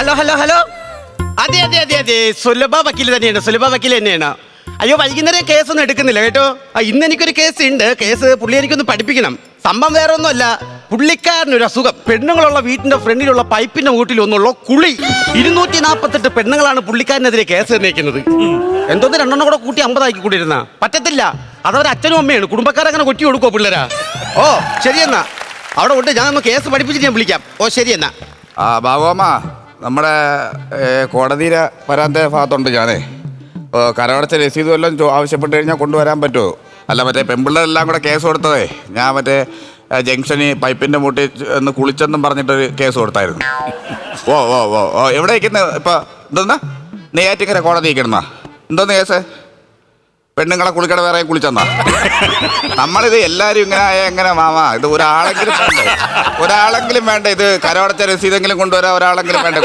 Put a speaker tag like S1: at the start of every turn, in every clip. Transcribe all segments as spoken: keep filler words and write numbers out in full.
S1: Hello hello hello അതെ അതെ അതെ അതെ സുലഭ വക്കീൽ തന്നെയാണ് സുലഭ വക്കീൽ തന്നെയാണ്. അയ്യോ വൈകുന്നേരം കേസൊന്നും എടുക്കുന്നില്ല കേട്ടോ. ആ ഇന്ന് എനിക്കൊരു കേസ് ഉണ്ട്. കേസ് പുള്ളി എനിക്കൊന്ന് പഠിപ്പിക്കണം. സംഭവം വേറെ ഒന്നുമല്ല, പുള്ളിക്കാരനൊരു അസുഖം. പെണ്ണുങ്ങളുള്ള വീട്ടിന്റെ ഫ്രണ്ടിലുള്ള പൈപ്പിന്റെ മൂട്ടിൽ ഒന്നുള്ള കുളി. ഇരുന്നൂറ്റി നാപ്പത്തെട്ട് പെണ്ണുങ്ങളാണ് പുള്ളിക്കാരനെതിരെ കേസ് നിർണ്ണയിക്കുന്നത്. എന്തോന്ന് രണ്ടെണ്ണം കൂടെ കൂട്ടി അമ്പതാക്കി കൂട്ടിയിരുന്ന പറ്റത്തില്ല. അതവരെ അച്ഛനും അമ്മയാണ്. കുടുംബക്കാരങ്ങനെ കൊറ്റി കൊടുക്കുമോ പിള്ളേരാ? ഓ ശരിയെന്നാ അവിടെ ഉണ്ട്. ഞാൻ ഒന്ന് കേസ് പഠിപ്പിച്ചിട്ട് ഞാൻ വിളിക്കാം. ഓ ശരിയെന്നാ.
S2: ആ ബാബുമ്മ, നമ്മുടെ കോടതിയിലെ വരാൻ്റെ ഭാഗത്തുണ്ട് ഞാനേ. കരമടച്ച രസീത് വല്ലതും ആവശ്യപ്പെട്ട് കഴിഞ്ഞാൽ കൊണ്ടുവരാൻ പറ്റുമോ? അല്ല മറ്റേ പെൺപിള്ളേരെല്ലാം കൂടെ കേസ് കൊടുത്തതേ, ഞാൻ മറ്റേ ജംഗ്ഷനിൽ പൈപ്പിൻ്റെ മൂട്ടി ഒന്ന് കുളിച്ചെന്നും പറഞ്ഞിട്ടൊരു കേസ് കൊടുത്തായിരുന്നു. ഓ ഓ ഓ ഓ എവിടെ ഇരിക്കുന്നത് ഇപ്പം? എന്തോന്നാ നെയ്യാറ്റിക്കര കോടതി ഇരിക്കണമെന്നാ? എന്തോന്ന് കേസ്? പെണ്ണുങ്ങളെ കുളിക്കട വേറെ കുളിച്ചെന്നാ? നമ്മളിത് എല്ലാവരും ഇങ്ങനെ ആയ എങ്ങനെ മാമാ? ഇത് ഒരാളെങ്കിലും വേണ്ടേ? ഒരാളെങ്കിലും വേണ്ട. ഇത് കരമടച്ച രസീതെങ്കിലും കൊണ്ടുവരാൻ ഒരാളെങ്കിലും വേണ്ട.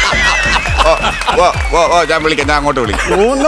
S2: ഓ ഓ ഓ ഓ ഞാൻ വിളിക്കാം, ഞാൻ അങ്ങോട്ട് വിളിക്കാം.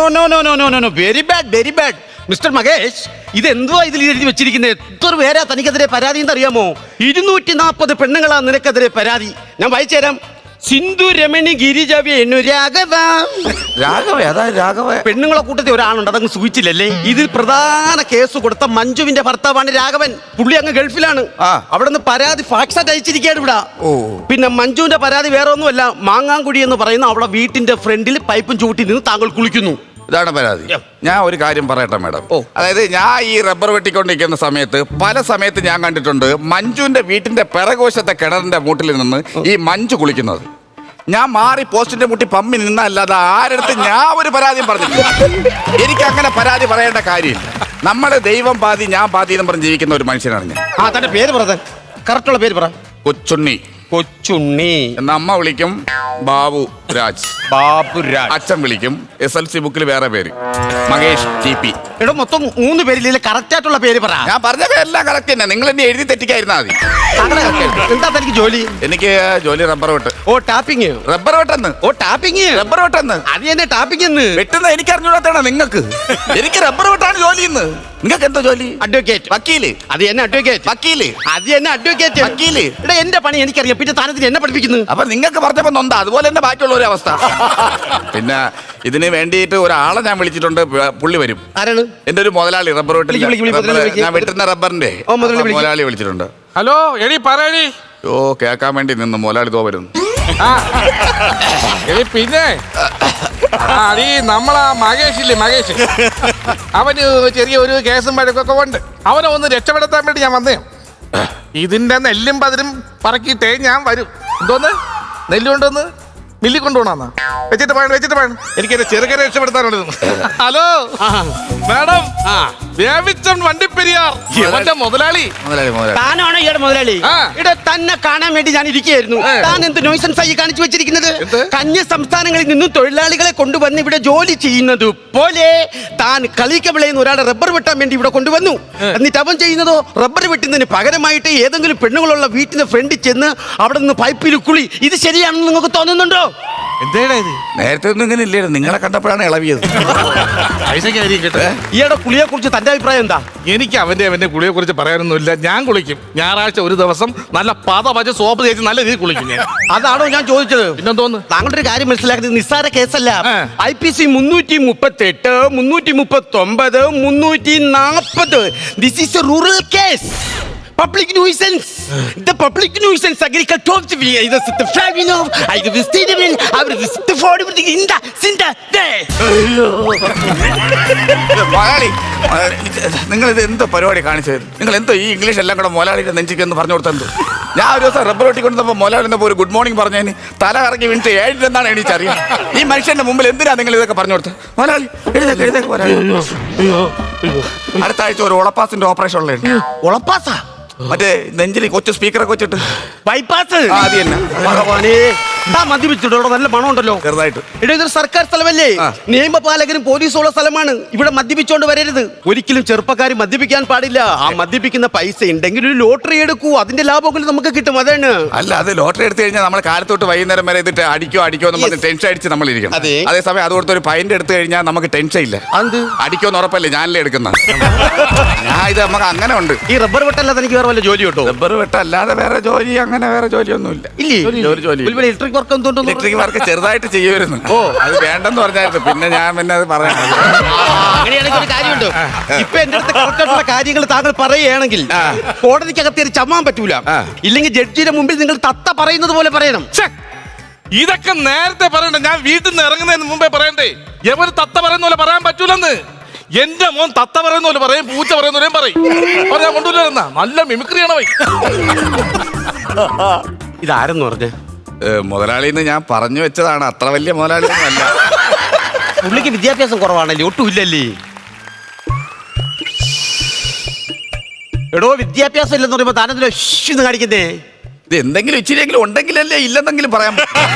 S1: Very bad very bad mister Mahesh, ഇതെന്തുവാ ഇതിൽ എഴുതി വെച്ചിരിക്കുന്നത്? എത്ര പേരാ തനിക്കെതിരെ പരാതി എന്ന് അറിയാമോ? ഇരുന്നൂറ്റി നാൽപ്പത് പെണ്ണുങ്ങളാ നിനക്കെതിരെ പരാതി. ഞാൻ വായിച്ചു തരാം. സിന്ധു രമണി ഗിരിജ വേണു രാഘവ.
S2: രാഘവ അതായത് രാഘവ
S1: പെണ്ണുങ്ങളെ കൂട്ടത്തിൽ ഒരാളുണ്ട്, അതങ്ങ് സൂചിച്ചില്ലല്ലേ? ഇതിൽ പ്രധാന കേസ് കൊടുത്ത മഞ്ജുവിന്റെ ഭർത്താവാണ് രാഘവൻ. പുള്ളി അങ്ങ് ഗൾഫിലാണ്. അവിടെ നിന്ന് പരാതി ഫാക്സായിട്ട് അയച്ചിരിക്കുകയാണ് ഇവിടെ. പിന്നെ മഞ്ജുവിന്റെ പരാതി വേറെ ഒന്നുമല്ല, മാങ്ങാങ്കുടി എന്ന് പറയുന്ന അവിടെ വീട്ടിന്റെ ഫ്രണ്ടിൽ പൈപ്പും ചൂട്ടി നിന്ന് താങ്കൾ കുളിക്കുന്നു.
S2: ഇതാണ് പരാതി. ഞാൻ ഒരു കാര്യം പറയട്ടെ മാഡം. അതായത് ഞാൻ ഈ റബ്ബർ വെട്ടിക്കൊണ്ടിരിക്കുന്ന സമയത്ത് പല സമയത്ത് ഞാൻ കണ്ടിട്ടുണ്ട് മഞ്ജുവിന്റെ വീട്ടിന്റെ പിറകോശത്തെ കിണറിന്റെ മൂട്ടിൽ നിന്ന് ഈ മഞ്ജു കുളിക്കുന്നത്. ഞാൻ മാറി പോസ്റ്റിന്റെ മുട്ടി പമ്മി നിന്നല്ലാതെ ആരടുത്ത് ഞാൻ ഒരു പരാതിയും പറഞ്ഞില്ല. എനിക്ക് അങ്ങനെ പരാതി പറയേണ്ട കാര്യമില്ല. നമ്മള് ദൈവം പാതി ഞാൻ പാതി എന്ന് പറഞ്ഞ് ജീവിക്കുന്ന ഒരു മനുഷ്യനാണ് ഞാൻ.
S1: ആ തന്റെ പേര് പറ, കറക്റ്റുള്ള പേര് പറ.
S2: കൊച്ചുണ്ണി.
S1: കൊച്ചുണ്ണി
S2: എന്ന അമ്മ വിളിക്കും ബാബു രാജ്.
S1: ബാബു രാജ്.
S2: അച്ഛൻ വിളിക്കും എസ് എൽ സി ബുക്കിൽ വേറെ പേര് മഹേഷ് ടി പി.
S1: എടോ മൊത്തം മൂന്ന് പേരില്ലേ? കറക്റ്റ് ആയിട്ടുള്ള പേര് പറ.
S2: ഞാൻ പറഞ്ഞ പേരെല്ലാം കറക്റ്റ് തന്നെ. നിങ്ങൾ എന്നെ എഴുതി തെറ്റിക്കായിരുന്നാ മതി.
S1: എന്താ തനിക്ക് ജോലി?
S2: എനിക്ക് ജോലി റബ്ബർ വെട്ട്.
S1: ഓ ടാപ്പിങ്.
S2: റബ്ബർ വെട്ടെന്ന്.
S1: ഓ ടാപ്പിങ്.
S2: റബ്ബർ വെട്ടെന്ന്.
S1: അത് തന്നെ ടാപ്പിങ് എന്ന്
S2: വെട്ടുന്ന എനിക്ക് അറിഞ്ഞൂടാത്തതാണ് നിങ്ങൾക്ക്. എനിക്ക് റബ്ബർ വെട്ടാണ് ജോലി ഇന്ന്. നിങ്ങൾക്ക് എന്താ ജോലി?
S1: അഡ്വക്കേറ്റ്.
S2: വക്കീല്.
S1: അത് തന്നെ അഡ്വക്കേറ്റ്.
S2: വക്കീല്.
S1: അത് തന്നെ അഡ്വക്കേറ്റ്.
S2: വക്കീല്.
S1: എടാ എന്റെ പണി എനിക്കറിയാം, പിന്നെ താനത്തിന് എന്നെ പഠിപ്പിക്കുന്നു.
S2: അപ്പൊ നിങ്ങൾക്ക് പറഞ്ഞപ്പോ നൊന്താ, അതുപോലെ തന്നെ ബാക്കിയുള്ള ഒരു അവസ്ഥ. പിന്നെ ഇതിന് വേണ്ടിയിട്ട് ഒരാളെ ഞാൻ വിളിച്ചിട്ടുണ്ട്. പുള്ളി വരും.
S1: ആരാണ്?
S2: എന്റെ ഒരു മുതലാളി റബ്ബർ വെട്ടിൽ ഞാൻ വെട്ടുന്ന റബ്ബറിന്റെ മുതലാളി വിളിച്ചിട്ടുണ്ട്.
S3: ഹലോ എടി പറയടി.
S2: ഓ കേക്കാൻ വേണ്ടി നിന്ന് മുതലാളി തോ വരുന്നു.
S3: എടി പിന്നെ ഈ നമ്മളാ മഹേഷ് ഇല്ലേ, മഹേഷ് അവന് ചെറിയ ഒരു കേസും വഴക്കൊക്കെ ഉണ്ട്. അവനെ ഒന്ന് രക്ഷപ്പെടുത്താൻ വേണ്ടി ഞാൻ വന്നേ. ഇതിന്റെ നെല്ലും പതിരും പറക്കിയിട്ടേ ഞാൻ വരും. എന്തോന്ന് നെല്ല് കൊണ്ടുവന്ന് മില്ലി കൊണ്ടുപോകണമെന്നാ? വെച്ചിട്ട് പോയാണ് വെച്ചിട്ട് പോയാണ്. എനിക്ക് എന്റെ ചെറുകനെ രക്ഷപ്പെടുത്താനുള്ളത്. ഹലോ മാഡം, ദേവിച്ചൻ വണ്ടിപ്പെരിയാർ അവന്റെ മുതലാളി.
S1: താനാണോ ഈയുടെ മുതലാളി? ഇവിടെ തന്നെ കാണാൻ വേണ്ടി ഞാൻ ഇരിക്കുകയായിരുന്നു. താൻ എന്ത് നോയ്സൻസ് ആയി കാണിച്ചു വെച്ചിരിക്കുന്നത്? കന്യ സംസ്ഥാനങ്ങളിൽ നിന്നും തൊഴിലാളികളെ കൊണ്ടുവന്ന് ഇവിടെ ജോലി ചെയ്യുന്നത് പോലെ താൻ കളിക്കവിളയുന്ന ഒരാളെ റബ്ബർ വെട്ടാൻ വേണ്ടി ഇവിടെ കൊണ്ടുവന്നു. എന്നിട്ട് അവൻ ചെയ്യുന്നതോ റബ്ബർ വെട്ടുന്നതിന് പകരമായിട്ട് ഏതെങ്കിലും പെണ്ണുങ്ങളുള്ള വീട്ടിന്റെ ഫ്രണ്ടിൽ ചെന്ന് അവിടെ നിന്ന് പൈപ്പിൽ കുളി. ഇത് ശരിയാണെന്ന് നിങ്ങൾക്ക് തോന്നുന്നുണ്ടോ?
S2: നേരത്തെ ഒന്നും ഇങ്ങനെ ഇല്ലായിരുന്നു. നിങ്ങളെ കണ്ടപ്പോഴാണ് ഇളവിയത്.
S1: ഈയുടെ കുളിയെ കുറിച്ച് തന്റെ അഭിപ്രായം എന്താ?
S3: എനിക്ക് അവന്റെ അവന്റെ കുളിയെ കുറിച്ച് പറയാനൊന്നുമില്ല. ഞാൻ കുളിക്കും. ഞായറാഴ്ച ഒരു ദിവസം നല്ല പത പച്ച സോപ്പ് തേച്ച് നല്ല രീതിയിൽ കുളിക്കും ഞാൻ.
S1: അതാണോ ഞാൻ ചോദിച്ചത്?
S3: പിന്നെന്തോന്ന്?
S1: താങ്കളുടെ ഒരു കാര്യം മനസ്സിലാക്കുന്നത് നിസ്സാര കേസല്ല. ഐ പി സി മുന്നൂറ്റി മുപ്പത്തി എട്ട് മുന്നൂറ്റി മുപ്പത്തി ഒമ്പത് മുന്നൂറ്റി നാൽപ്പത് this is a rural case. Public nuisance. The public nuisance agriculture. ഇത് ഫാമിനോ ഇത് വിസ്തീർണൻ അവർ വിസ്തഫോഡ് ഇൻഡ സിൻഡ ദേ.
S2: മലയാളി, നിങ്ങൾ ഇത് എന്തോ പരിപാടി കാണിച്ചത്? നിങ്ങൾ എന്തോ ഈ ഇംഗ്ലീഷ് എല്ലാം കൂടെ മൊലാളിയുടെ നെഞ്ചിക്ക് എന്ന് പറഞ്ഞു കൊടുത്തത്? ഞാൻ ഒരു ദിവസം റബ്ബർ വെട്ടിക്കൊണ്ടപ്പോൾ മൊലാളിന്നപ്പോൾ ഒരു ഗുഡ് മോർണിംഗ് പറഞ്ഞതിന് തല കറങ്ങി വീണിട്ട് ഏഴിലെന്നാണ് എണീച്ചറിയാം. ഈ മനുഷ്യന്റെ മുമ്പിൽ എന്തിനാ നിങ്ങൾ ഇതൊക്കെ പറഞ്ഞു കൊടുത്തത്? മൊലാളി എഴുതേക്ക് എഴുതേക്ക് മൊലാളി. അടുത്ത ആഴ്ച ഒരു ഉളപ്പാസിന്റെ ഓപ്പറേഷൻ ഉള്ളത്.
S1: ഉളപ്പാസാ?
S2: മറ്റേ നെഞ്ചിൽ കൊച്ചു സ്പീക്കറൊക്കെ വെച്ചിട്ട്
S1: ബൈപ്പാസ്.
S2: അത് തന്നെ.
S1: മദ്യപിച്ചിട്ടോ? നല്ല മണം ഉണ്ടല്ലോ.
S2: ചെറുതായിട്ട്.
S1: ഇവിടെ ഇതൊരു സർക്കാർ സ്ഥലമല്ലേ? നിയമപാലകരും പോലീസും ഉള്ള സ്ഥലമാണ്. ഇവിടെ മദ്യപിച്ചോണ്ട് വരരുത്. ഒരിക്കലും ചെറുപ്പക്കാർ മദ്യപിക്കാൻ പാടില്ല. ആ മദ്യപിക്കുന്ന പൈസ ഉണ്ടെങ്കിൽ ഒരു ലോട്ടറി എടുക്കൂ, അതിന്റെ ലാഭമൊക്കെ നമുക്ക് കിട്ടും. അതാണ്.
S2: അല്ല, അത് ലോട്ടറി എടുത്തു കഴിഞ്ഞാൽ നമ്മൾ കാലത്തോട്ട് വൈകുന്നേരം വരെ ഇതിട്ട് അടിക്കോ അടിക്കോ എന്ന് പറഞ്ഞ് ടെൻഷൻ അടിച്ച് നമ്മൾ ഇരിക്കണം. അതേസമയം അതുകൊടുത്ത് ഒരു പൈൻ്റ് എടുത്തു കഴിഞ്ഞാൽ നമുക്ക് ടെൻഷൻ ഇല്ല. അടിക്കോന്ന് ഉറപ്പല്ലേ? ഞാനല്ലേ എടുക്കുന്ന. ഞാൻ ഇത് നമുക്ക് അങ്ങനെ ഉണ്ട്.
S1: ഈ റബ്ബർ വെട്ടല്ലാതെ എനിക്ക് വേറെ വല്ല ജോലി കിട്ടോ?
S2: റബ്ബർ വെട്ടല്ലാതെ വേറെ ജോലി അങ്ങനെ വേറെ ജോലിയൊന്നും ഇല്ല.
S1: ഇല്ലേ?
S2: ജോലി
S1: ഇലക്ട്രിക് ഇലക്ട്രിക് വർക്ക് എന്തുകൊണ്ടോ
S2: ഇലക്ട്രിക് വർക്ക് ചെറുതായിട്ട് ചെയ്യുമായിരുന്നു ഓ അത് വേണ്ടെന്ന് പറഞ്ഞായിരുന്നു പിന്നെ ഞാൻ പിന്നെ അത് പറയാം
S1: അങ്ങനെയാണെങ്കിൽ ഒരു കാര്യമുണ്ട്. ഇപ്പൊ എന്റെ അടുത്ത് കറക്റ്റായിട്ടുള്ള കാര്യങ്ങൾ താങ്കൾ പറയുകയാണെങ്കിൽ കോടതിക്കകത്ത് ഒരു ചമ്മാൻ പറ്റൂല. ഇല്ലെങ്കിൽ ജഡ്ജിയുടെ മുമ്പിൽ നിങ്ങൾ തത്ത പറയുന്നത് പോലെ പറയണം.
S3: ഛെ, ഇതൊക്കെ നേരത്തെ പറയണ്ടേ? ഞാൻ വീട്ടിൽ നിന്ന് ഇറങ്ങുന്നതിന് മുമ്പേ പറയണ്ടേ? എവര് തത്ത പറയുന്ന പോലെ പറയാൻ പറ്റൂലെന്ന്. എന്റെ മോൻ തത്ത പറയുന്ന പോലെ പറയും, പൂച്ച പറയുന്ന പോലെയും പറയും. പറയാൻ കൊണ്ടുവരുന്ന നല്ല മിമിക്രിയാണ് പോയി.
S1: ഇതാരെന്ന് പറഞ്ഞേ?
S2: മുതലാളിന്ന് ഞാൻ പറഞ്ഞു വെച്ചതാണ്, അത്ര വലിയ മുതലാളി അല്ല.
S1: പുള്ളിക്ക് വിദ്യാഭ്യാസം കുറവാണല്ലേ? ഒട്ടും ഇല്ലല്ലേ? എടോ വിദ്യാഭ്യാസം ഇല്ലെന്ന് പറയുമ്പോ താനെന്തിനാ എന്ന് കാണിക്കുന്നേ?
S2: ഇത് എന്തെങ്കിലും ഇച്ചിരിയെങ്കിലും ഉണ്ടെങ്കിലല്ലേ ഇല്ലെന്നെങ്കിലും പറയാൻ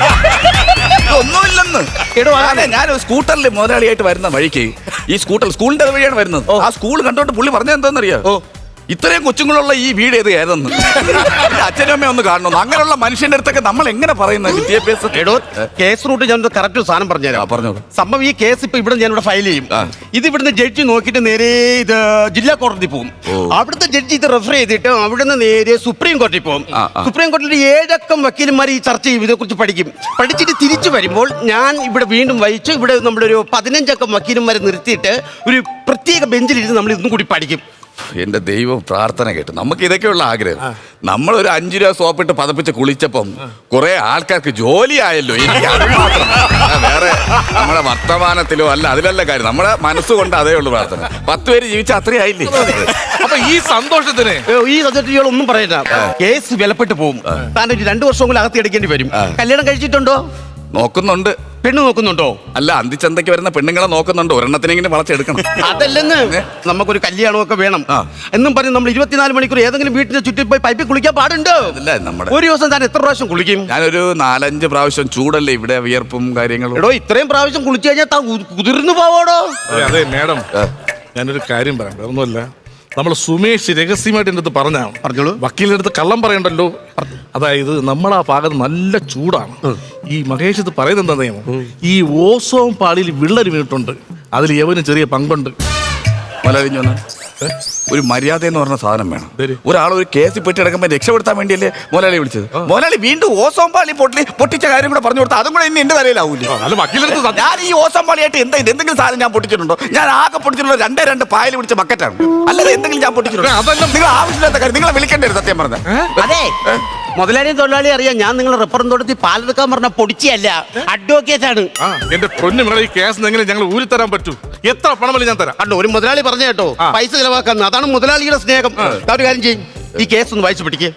S2: ഒന്നുമില്ലെന്ന്.
S1: എടോ
S2: അതെ, ഞാൻ സ്കൂട്ടറിൽ മുതലാളിയായിട്ട് വരുന്ന വഴിക്ക് ഈ സ്കൂട്ടർ സ്കൂളിന്റെ വഴിയാണ് വരുന്നത്. ആ സ്കൂൾ കണ്ടോണ്ട് പുള്ളി പറഞ്ഞത് എന്താണെന്നറിയോ? ഇത്രയും കൊച്ചുങ്ങളുള്ള ഈ വീട് ഏത് ഏതെന്ന് അച്ഛനും അമ്മയും ഒന്ന് കാണണമെന്ന്. അങ്ങനെയുള്ള മനുഷ്യന്റെ അടുത്തൊക്കെ നമ്മൾ എങ്ങനെ പറയുന്നത് വിദ്യാഭ്യാസം?
S1: എടോ കേസ് റൂട്ട് ഞാൻ കറക്റ്റ് സാധനം പറഞ്ഞുതരാം.
S2: പറഞ്ഞോളൂ.
S1: സംഭവം ഈ കേസ് ഇപ്പൊ ഇവിടെ ഞാനിവിടെ ഫയൽ ചെയ്യും. ഇത് ഇവിടുന്ന് ജഡ്ജി നോക്കിയിട്ട് നേരെ ഇത് ജില്ലാ കോടതി പോകും. അവിടുത്തെ ജഡ്ജി ഇത് റെഫർ ചെയ്തിട്ട് അവിടുന്ന് നേരെ സുപ്രീം കോടതി പോകും. സുപ്രീം കോടതിയിൽ ഏഴക്കം വക്കീലന്മാർ ഈ ചർച്ച ചെയ്യും, ഇതിനെക്കുറിച്ച് പഠിക്കും. പഠിച്ചിട്ട് തിരിച്ചു വരുമ്പോൾ ഞാൻ ഇവിടെ വീണ്ടും വഹിച്ച് ഇവിടെ നമ്മളൊരു പതിനഞ്ചക്കം വക്കീലന്മാരെ നിർത്തിയിട്ട് ഒരു പ്രത്യേക ബെഞ്ചിലിരുന്ന് നമ്മൾ ഇന്നും കൂടി പഠിക്കും.
S2: എന്റെ ദൈവം പ്രാർത്ഥന കേട്ടു. നമുക്ക് ഇതൊക്കെയുള്ള ആഗ്രഹം. നമ്മളൊരു അഞ്ചു രൂപ സോപ്പിട്ട് പതപ്പിച്ച് കുളിച്ചപ്പം കുറെ ആൾക്കാർക്ക് ജോലിയായല്ലോ. എനിക്ക് അത് മാത്രം, വേറെ നമ്മുടെ വർത്തമാനത്തിലോ അല്ല അതിലല്ല കാര്യം. നമ്മുടെ മനസ്സുകൊണ്ട് അതേ ഉള്ളൂ പ്രാർത്ഥന. പത്ത് പേര് ജീവിച്ച അത്രയായില്ലേ?
S3: അപ്പൊ ഈ സന്തോഷത്തിന്
S1: ഈ സബ്ജക്റ്റുകൾ ഒന്നും പറയണ്ട. കേസ് വിലപ്പെട്ട് പോകും. താൻ ഒരു രണ്ടു വർഷം കൂടി അകത്ത് എടുക്കേണ്ടി വരും. കല്യാണം കഴിച്ചിട്ടുണ്ടോ?
S2: നോക്കുന്നുണ്ട്.
S1: പെണ്ണ് നോക്കുന്നുണ്ടോ?
S2: അല്ല, അന്തിച്ചന്തയ്ക്ക് വരുന്ന പെണ്ണുങ്ങളെ നോക്കുന്നുണ്ട്. ഒരെണ്ണത്തിനെങ്കിലും വളച്ചെടുക്കണം.
S1: അതല്ലെന്ന് നമുക്കൊരു കല്യാണമൊക്കെ വേണം എന്നും പറഞ്ഞ് നമ്മൾ ഇരുപത്തിനാല് മണിക്കൂർ ഏതെങ്കിലും വീട്ടിന്റെ ചുറ്റി പോയി പൈപ്പിൽ കുളിക്കാൻ പാടുണ്ടോ?
S2: അതല്ല നമ്മുടെ
S1: ഒരു ദിവസം താൻ എത്ര പ്രാവശ്യം കുളിക്കും?
S2: ഞാനൊരു നാലഞ്ച് പ്രാവശ്യം. ചൂടല്ലേ ഇവിടെ, വിയർപ്പും കാര്യങ്ങളും.
S1: എടോ ഇത്രയും പ്രാവശ്യം കുളിച്ചു കഴിഞ്ഞാൽ താൻ കുതിർന്നു പോവോടോ?
S3: അതെ മേഡം, ഞാനൊരു കാര്യം പറയാം. വേറൊന്നുമല്ല, നമ്മൾ സുമേഷ് രഹസ്യമായിട്ട് എൻ്റെ അടുത്ത് പറഞ്ഞാണ്.
S1: പറഞ്ഞോളൂ.
S3: വക്കീലിന്റെ അടുത്ത് കള്ളം പറയണ്ടല്ലോ. അതായത് നമ്മളാ ഭാഗത്ത് നല്ല ചൂടാണ്. ഈ മഹേഷ് ഇത് പറയുന്നത് എന്താ നിയമം? ഈ ഓസോൺ പാളിയിൽ വിള്ളൽ വീണിട്ടുണ്ട്, അതിൽ യവന് ചെറിയ പങ്കുണ്ട്.
S2: മലരിഞ്ഞു വന്ന് ഒരു മര്യാദ എന്ന് പറഞ്ഞ സാധനം വേണം. ഒരാൾ ഒരു കേസിൽ പെട്ടി കിടക്കുമ്പോൾ രക്ഷപ്പെടുത്താൻ വേണ്ടിയല്ലേ മുതലാളി വിളിച്ചത്. മുതലാളി വീണ്ടും ഓസോൺ പാളി പൊട്ടി പൊട്ടിച്ച കാര്യം കൂടെ പറഞ്ഞു കൊടുത്താൽ അതും കൂടെ ഇനി എന്റെ തലയിലാവൂല്ലേ?
S3: അല്ല വക്കീലെടുത്ത്
S2: ഞാൻ ഈ ഓസോൺ പാളിയായിട്ട് എന്താ എന്തെങ്കിലും സാധനം ഞാൻ പൊട്ടിച്ചിട്ടുണ്ടോ? ഞാൻ ആകെ പൊട്ടിച്ചിട്ടുള്ള രണ്ടേ രണ്ട് പായൽ പിടിച്ച ബക്കറ്റാണ്. അല്ലാതെ എന്തെങ്കിലും ഞാൻ പൊട്ടിച്ചിട്ടുണ്ടോ? അതെല്ലാം നിങ്ങൾ ആവശ്യമില്ലാത്ത കാര്യം. നിങ്ങളെ വിളിക്കേണ്ടത് സത്യം പറഞ്ഞ.
S1: അതെ, മുതലാളിയും തൊഴിലാളി അറിയാം. ഞാൻ നിങ്ങളെ റെഫറൻ തോട്ടത്തിൽ പാലെടുക്കാൻ പറഞ്ഞ പൊടിച്ചല്ല, അഡ്വക്കേറ്റ് ആണ്.
S3: എന്റെ പൊന്നു മകളെ, ഈ കേസ് എങ്ങനെ ഞങ്ങൾ ഊരി തരാൻ പറ്റൂ? എത്ര പണമല്ല ഞാൻ തരാം.
S1: കണ്ടോ, ഒരു മുതലാളി പറഞ്ഞ കേട്ടോ, പൈസ ചെലവാക്കാൻ. അതാണ് മുതലാളിയുടെ സ്നേഹം. ഒരു കാര്യം ചെയ്യും, ഈ കേസ് ഒന്ന് വായിച്ചു പിടിക്കേ.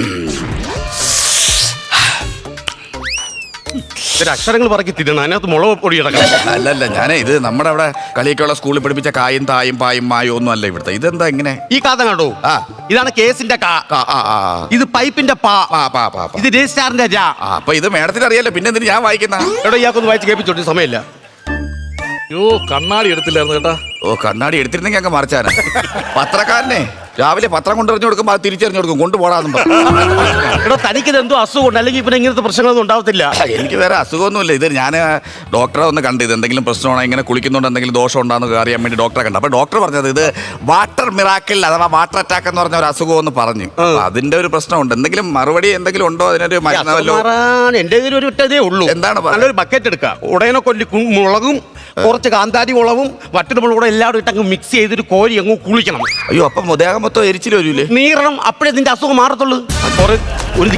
S1: അക്ഷരങ്ങൾ പറക്കി തിരണം, അതിനകത്ത് മുളക് പൊടി കിടക്കണം.
S2: അല്ലല്ല, ഞാനേ ഇത് നമ്മുടെ അവിടെ കളിയൊക്കെയുള്ള സ്കൂളിൽ പഠിപ്പിച്ച കായും തായും പായും മായും ഒന്നും അല്ല ഇവിടുത്തെ. ഇതെന്താ ഇങ്ങനെ? ഈ
S1: കാത കണ്ടോ, ഇതാണ് കേസിന്റെ കാ. ഇത് പൈപ്പിന്റെ പാ. ഇത് രജിസ്ട്രാറിന്റെ രാ.
S2: അപ്പൊ ഇത് മേഡത്തിന് അറിയാലോ, പിന്നെ എന്തിന് ഞാൻ വായിക്കുന്ന?
S1: എടോ ഇയാൾക്കൊന്ന് വായിച്ച് കേൾപ്പിച്ചോട്ട് സമയമില്ല.
S3: യോ കണ്ണാടി എടുത്തില്ലായിരുന്നു കേട്ടാ.
S2: ഓ, കണ്ണാടി എടുത്തിരുന്നെങ്കിൽ അങ്ങ് മറിച്ചാനാ. പത്രക്കാരനെ രാവിലെ പത്രം കൊണ്ടെറിഞ്ഞു കൊടുക്കുമ്പോൾ അത് തിരിച്ചറിഞ്ഞു കൊടുക്കും, കൊണ്ടുപോടാന്നും പറഞ്ഞു.
S1: എടോ തനിക്കിത് എന്തോ അസുഖമുണ്ട്, അല്ലെങ്കിൽ ഇപ്പൊ ഇങ്ങനത്തെ പ്രശ്നങ്ങളൊന്നും ഉണ്ടാവത്തില്ല.
S2: എനിക്ക് വേറെ അസുഖമൊന്നുമില്ല. ഇത് ഞാൻ ഡോക്ടറെ ഒന്ന് കണ്ട്, ഇത് എന്തെങ്കിലും പ്രശ്നമാണോ, ഇങ്ങനെ കുളിക്കുന്നുണ്ട് എന്തെങ്കിലും ദോഷം ഉണ്ടാകുന്ന അറിയാൻ വേണ്ടി ഡോക്ടറെ കണ്ടു. അപ്പൊ ഡോക്ടർ പറഞ്ഞത് ഇത് വാട്ടർ മിറാക്കിൾ അഥവാ വാട്ടർ അറ്റാക്ക് എന്ന് പറഞ്ഞ ഒരു അസുഖം എന്ന് പറഞ്ഞു. അതിന്റെ ഒരു പ്രശ്നമുണ്ട്. എന്തെങ്കിലും മറുപടി എന്തെങ്കിലും ഉണ്ടോ അതിനൊരു മരുന്നല്ലോ?
S1: എന്റെ കയ്യിൽ ഒരു ഒറ്റതേ ഉള്ളൂ.
S2: എന്താണ്?
S1: നല്ലൊരു ബക്കറ്റ് എടുക്കുക, ഉടനെ കൊല്ലി മുളകും കുറച്ച് കാന്താരി മുളകും വറ്റൽമുളകും കൂടെ എല്ലാവരും ഇട്ടങ്ങ് മിക്സ് ചെയ്തിട്ട് കോരി അങ്ങ് കുളിക്കണം.
S2: അയ്യോ, അപ്പം ദേഹം മൊത്തം എരിച്ചിൽ വരൂലേ?
S1: നീറണം, അപ്പോഴേ നിന്റെ അസുഖം മാറത്തുള്ളൂ. ഒരു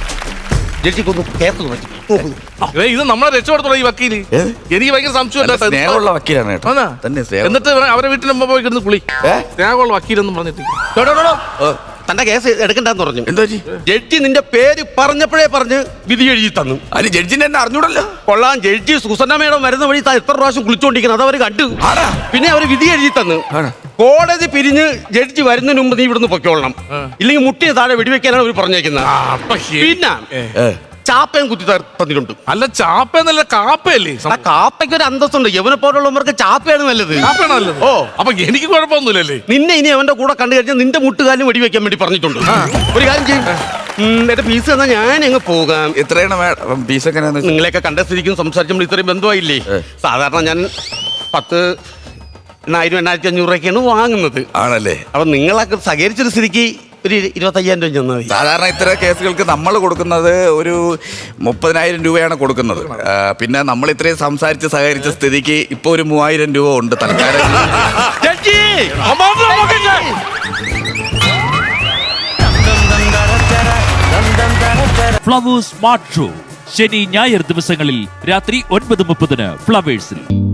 S3: ഇത് നമ്മളെ രക്ഷപ്പെടുത്തുള്ള ഈ വക്കീല്. എനിക്ക് ഭയങ്കര സംശയം.
S2: സ്നേഹമുള്ള വക്കീലാണ് കേട്ടോ.
S3: എന്നിട്ട് അവരെ വീട്ടിൽ മുമ്പ് പോയി കിടന്ന് കുളി. സ്നേഹമുള്ള വക്കീലെന്നും പറഞ്ഞിട്ട്
S1: തന്റെ കേസ് എടുക്കണ്ടെന്ന് പറഞ്ഞു.
S2: എന്താ
S1: ജഡ്ജി നിന്റെ പേര് പറഞ്ഞപ്പോഴേ പറഞ്ഞ് വിധി എഴുതി തന്നു.
S2: അതിന് ജഡ്ജിനെ എന്നെ അറിഞ്ഞൂടല്ലോ.
S1: കൊള്ളാം, ജഡ്ജി സുസന്ന മേഡം വരുന്ന വഴി എത്ര പ്രാവശ്യം കുളിച്ചോണ്ടിരിക്കണം, അതവര് കണ്ടു. പിന്നെ അവര് വിധി എഴുതി തന്നു. കോടതി പിരിഞ്ഞ് ജഡ്ജി വരുന്നതിന് മുമ്പ് നീ ഇവിടുന്ന് പൊക്കോളണം, ഇല്ലെങ്കിൽ മുട്ടിയെ താഴെ വെടിവെക്കാനാണ് അവർ പറഞ്ഞേക്കുന്നത്. പിന്നെ ചാപ്പയും കുത്തി തന്നിട്ടുണ്ട്.
S3: അല്ല ചാപ്പയെന്നല്ല, കാപ്പയല്ലേ?
S1: കാപ്പയ്ക്ക് ഒരു അന്തസ്സുണ്ട്. യവനെ പോലുള്ളവർക്ക് ചാപ്പയാണ് നല്ലത്.
S3: നല്ലത്. ഓ, അപ്പൊ എനിക്ക് കുഴപ്പമൊന്നുമില്ലല്ലേ?
S1: നിന്നെ ഇനി അവന്റെ കൂടെ കണ്ടു കഴിഞ്ഞാൽ നിന്റെ മുട്ടുകാലും വെടിവെക്കാൻ വേണ്ടി പറഞ്ഞിട്ടുണ്ട്. ഒരു കാര്യം ചെയ്യും, എന്റെ ഫീസ് തന്നാൽ ഞാൻ അങ്ങ് പോകാം.
S2: എത്രയാണ് ഫീസ്? ഒക്കെ
S1: നിങ്ങളെയൊക്കെ കണ്ട സ്ഥിതിക്കും സംസാരിച്ചുമ്പോൾ ഇത്രയും ബന്ധമായില്ലേ. സാധാരണ ഞാൻ പത്ത് എണ്ണായിരം എണ്ണായിരത്തി അഞ്ഞൂറ് രൂപയൊക്കെയാണ് വാങ്ങുന്നത്.
S2: ആണല്ലേ?
S1: അപ്പൊ നിങ്ങളൊക്കെ സഹകരിച്ചൊരു സ്ഥിതിക്ക് ഒരു ഇരുപത്തയ്യായിരം രൂപ ചെന്നാൽ മതി.
S2: സാധാരണ ഇത്തരം കേസുകൾക്ക് നമ്മൾ കൊടുക്കുന്നത് ഒരു മുപ്പതിനായിരം രൂപയാണ് കൊടുക്കുന്നത്. ആ, പിന്നെ നമ്മൾ ഇത്രയും സംസാരിച്ച് സഹകരിച്ച സ്ഥിതിക്ക് ഇപ്പൊ ഒരു മൂവായിരം രൂപ ഉണ്ട് തൽക്കാലം.
S4: ഫ്ലവേഴ്സ് സ്മാർട്ട് ഷോ ശനി ഞായർ ദിവസങ്ങളിൽ രാത്രി ഒൻപത് മുപ്പതിന് ഫ്ലവേഴ്സിൽ.